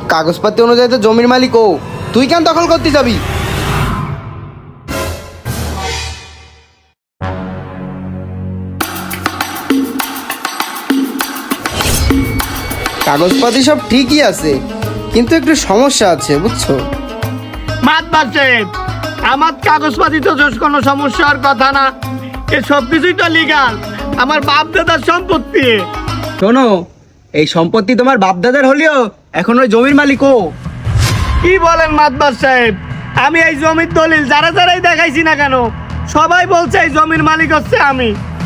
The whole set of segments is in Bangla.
কাগজপাতি অনুযায়ী তো জমির মালিক ও, তুই কেন দখল করতে যাবি? কাগজপাতি সব ঠিকই আছে, কিন্তু একটু সমস্যা আছে, বুঝছো? মাতবার সাহেব, আমার কাগজপাতি তো কোনো সমস্যার কথা না, এ সব কিছুই তো লিগাল, আমার বাপ দাদার সম্পত্তি। শোনো, এই সম্পত্তি তোমার বাপদাদার হলেও এখন ওই জমির মালিক ও। কি বলেন মাতবার সাহেব? আমি এই জমির দলিল যারাই দেখাইছি না কেন, সবাই বলছে এই জমির মালিক হচ্ছে আমি।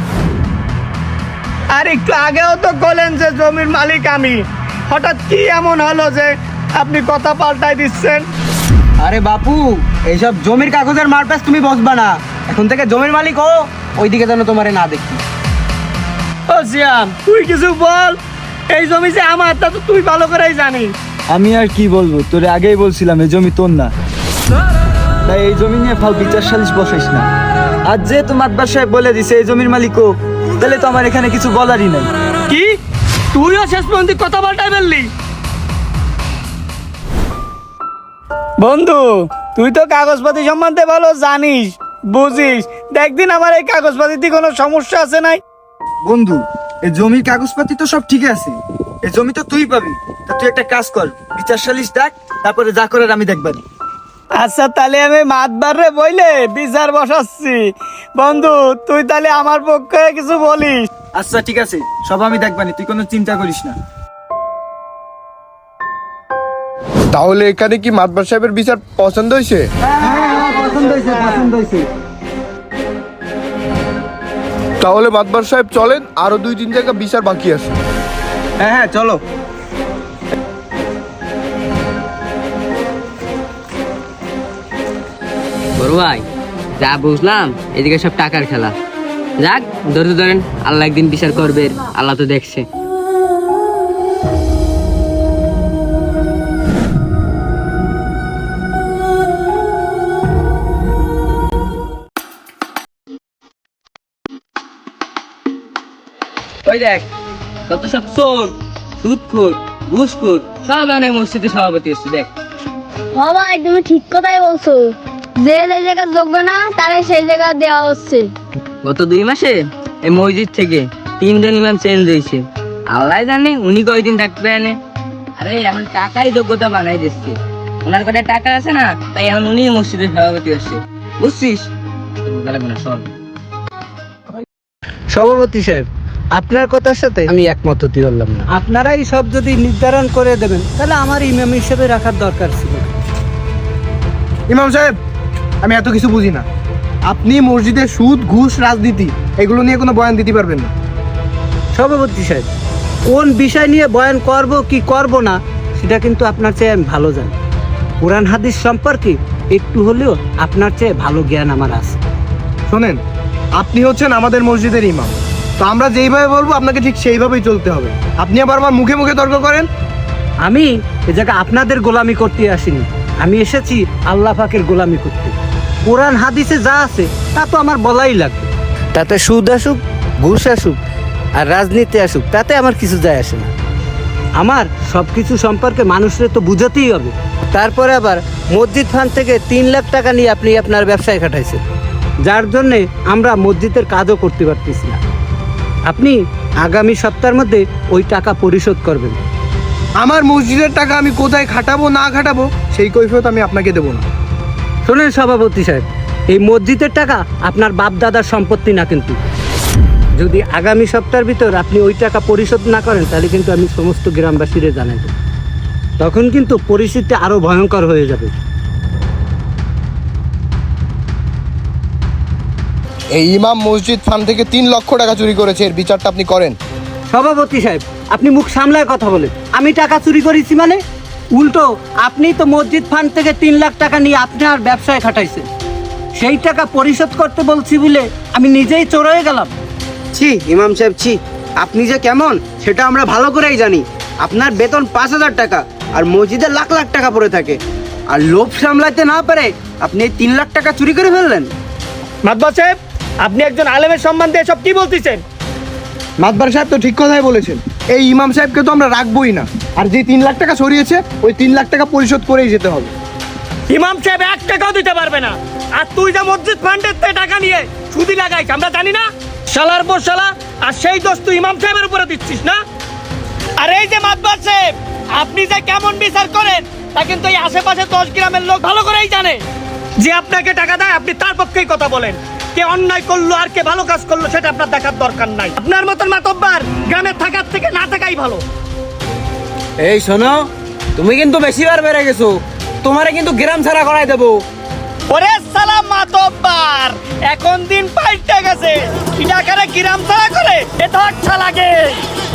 আর একটু আগেও তো বলেন যে জমির মালিক আমি, হঠাৎ কি এমন হলো যে আপনি কথা পাল্টাই দিচ্ছেন? আরে বাপু, এইসব জমির কাগজের মারপ্যাচ তুমি বসবা না, এখন থেকে জমির মালিক ও, ওইদিকে যেন তোমারে না দেখি। ও সিয়াম, তুই কিছু বল, এই জমি যে আমার তা তো তুই ভালো করেই জানিস। আমি আর কি বলবো, তোরে আগেই বলছিলাম এই জমি তোর না, তাই এই জমি নিয়ে ফাল বিচার সালিশ বসাইস না। আর যেহেতু মাতবার সাহেব বলে দিছে এই জমির মালিক ও, তাহলে তো আমার এখানে কিছু বলারই নাই। কি তুইও শেষ পর্যন্ত কথা পাল্টাই ফেললি? বন্ধু, তুই তো কাগজপাতি সম্বন্ধে ভালো জানিস, বুঝিস, দেখদিন আমার এই কাগজপাতিতে কোনো সমস্যা আছে নাই? বন্ধু, এই জমির কাগজপাতি তো সব ঠিক আছে, এই জমি তো তুই পাবি, তা তুই একটা কাজ কর, বিচার সালিশ ডাক, তারপরে যা করার আমি দেখবানি। আচ্ছা, তাহলে আমি মাতবার রে বইলে বিচার বসাচ্ছি। বন্ধু, তুই তাহলে আমার পক্ষে কিছু বলিস। আচ্ছা ঠিক আছে, সব আমি দেখবানি, তুই কোনো চিন্তা করিস না। তাহলে এখানে কি মাতবার সাহেবের বিচার পছন্দ হয়েছে? পছন্দ হয়েছে, পছন্দ হয়েছে। তাহলে মাতবার সাহেব চলেন, আরো 2-3 জায়গা বিচার বাকি আছে। হ্যাঁ হ্যাঁ, চলো। বড় ভাই, যা বুঝলাম এদিকে সব টাকার খেলা। যাক, ধৈর্য ধরেন, আল্লাহ একদিন বিচার করবে, আল্লাহ তো দেখছে। ওই দেখ, কত সব চোর, সুদখোর, ঘুষখোর সব অনেক মসজিদে সভাপতি হচ্ছে, দেখ। ভাই, তুমি ঠিক কথাই বলছো, যে জায়গা যোগ্য না তারা সেই জায়গা দেওয়া হচ্ছে। গত 2 মাসে এই মসজিদ থেকে 3 জন ইমাম চেঞ্জ হয়েছে, আল্লাহ জানে উনি কয়দিন থাকবে এনে। আরে এখন টাকাই যোগ্যতা বানাই দিচ্ছে, ওনার কাছে টাকা আছে না, তাই এখন উনি মসজিদের সভাপতি হচ্ছে, বুঝছিস? সব সভাপতি সাহেব, আপনার কথার সাথে আমি একমত হতে পারলাম না। আপনারাই সব যদি নির্ধারণ করে দেবেন, তাহলে আমার ইমাম হিসেবে রাখার দরকার ছিল। ইমাম সাহেব, আমি এত কিছু বুঝি না, আপনি মসজিদের সুদ, ঘুষ, রাজনীতি এগুলো নিয়ে কোনো বয়ান দিতে পারবেন না। সভাপতি সাহেব, কোন বিষয় নিয়ে বয়ান করব কি করব না সেটা কিন্তু আপনার চেয়ে আমি ভালো জানি। কোরআন হাদিস সম্পর্কে একটু হলেও আপনার চেয়ে ভালো জ্ঞান আমার আছে। শোনেন, আপনি হচ্ছেন আমাদের মসজিদের ইমাম, তো আমরা যেইভাবে বলবো আপনাকে ঠিক সেইভাবেই চলতে হবে। আপনি আবার আমার মুখে মুখে তর্ক করেন। আমি এ জায়গায় আপনাদের গোলামি করতে আসিনি, আমি এসেছি আল্লাহ পাকের গোলামি করতে। কোরআন হাদিসে যা আছে তা তো আমার বলাই লাগবে। তাতে সুদ আসুক, ঘুষ আসুক আর রাজনীতি আসুক, তাতে আমার কিছু যায় আসে না। আমার সব কিছু সম্পর্কে মানুষের তো বুঝাতেই হবে। তারপরে আবার মসজিদ ফান্ড থেকে 3 লাখ টাকা নিয়ে আপনি আপনার ব্যবসায় খাটাইছেন, যার জন্যে আমরা মসজিদের কাজও করতে পারতেছি না। আপনি আগামী সপ্তাহের মধ্যে ওই টাকা পরিশোধ করবেন। আমার মসজিদের টাকা আমি কোথায় খাটাবো না খাটাবো সেই কৈফিয়ত আমি আপনাকে দেবো না। শোনেন সভাপতি সাহেব, এই মসজিদের টাকা আপনার বাপ দাদার সম্পত্তি না, কিন্তু যদি আগামী সপ্তাহের ভিতর আপনি ওই টাকা পরিশোধ না করেন, তাহলে কিন্তু আমি সমস্ত গ্রামবাসীরে জানাই দেব। তখন কিন্তু পরিস্থিতি আরো ভয়ঙ্কর হয়ে যাবে। এই ইমাম মসজিদ ফান্ড থেকে 3 লক্ষ টাকা চুরি করেছে, এর বিচারটা আপনি করেন। সভাপতি সাহেব, আপনি মুখ সামলায় কথা বলেন। আমি টাকা চুরি করেছি মানে? উল্টো আপনি তো মসজিদ ফান্ড থেকে 3 লাখ টাকা নিয়ে আপনার ব্যবসায় খাটাইছেন, সেই টাকা পরিশোধ করতে বলছি বলে আমি নিজেই চোর হয়ে গেলাম। ছি ইমাম সাহেব, ছি, আপনি যে কেমন সেটা আমরা ভালো করেই জানি। আপনার বেতন 5,000 টাকা আর মসজিদে লাখ লাখ টাকা পড়ে থাকে, আর লোভ সামলাতে না পারে আপনি 3 লাখ টাকা চুরি করে ফেললেন। মাতবার সাহেব, আপনি একজন আলেমের সম্মান দিয়ে সব কি বলতেছেন? মাতবার সাহেব তো ঠিক কথাই বলেছেন, এই ইমাম সাহেবকে তো আমরা রাখবোই না, আর যে 3 লাখ টাকা সরিয়েছে ওই 3 লাখ টাকা পরিশোধ করেই যেতে হবে। ইমাম সাহেব 1 টাকাও দিতে পারবে না। আর তুই যে মসজিদ ফান্ডের থেকে টাকা নিয়ে সুদি লাগাইছ আমরা জানি না? শালার পর শালা, আর সেই দোষ তুই ইমাম সাহেবের উপরে দিচ্ছিস না? আর এই যে মাতবার সাহেব, আপনি যে কেমন বিচার করেন তা কিন্তু এই আশেপাশে 10 গ্রামের লোক ভালো করেই জানে। যে আপনাকে টাকা দেয় আপনি তার পক্ষেই কথা বলেন। কে অন্যায় করলো আর কে ভালো কাজ করলো সেটা আপনার দেখার দরকার নাই। আপনার মতন মাতব্বার গ্রামে থাকার থেকে না থাকাই ভালো। এই শোনো, তুমি কিন্তু বেশিবার বেড়ে গেছো, তোমারে কিন্তু গ্রাম ছাড়া করাই দেবো। ওরে সালাম মাতব্বার, এখন দিন পাল্টে গেছে। কি ডাকারে গ্রাম ছাড়া করে এ তো আচ্ছা লাগে।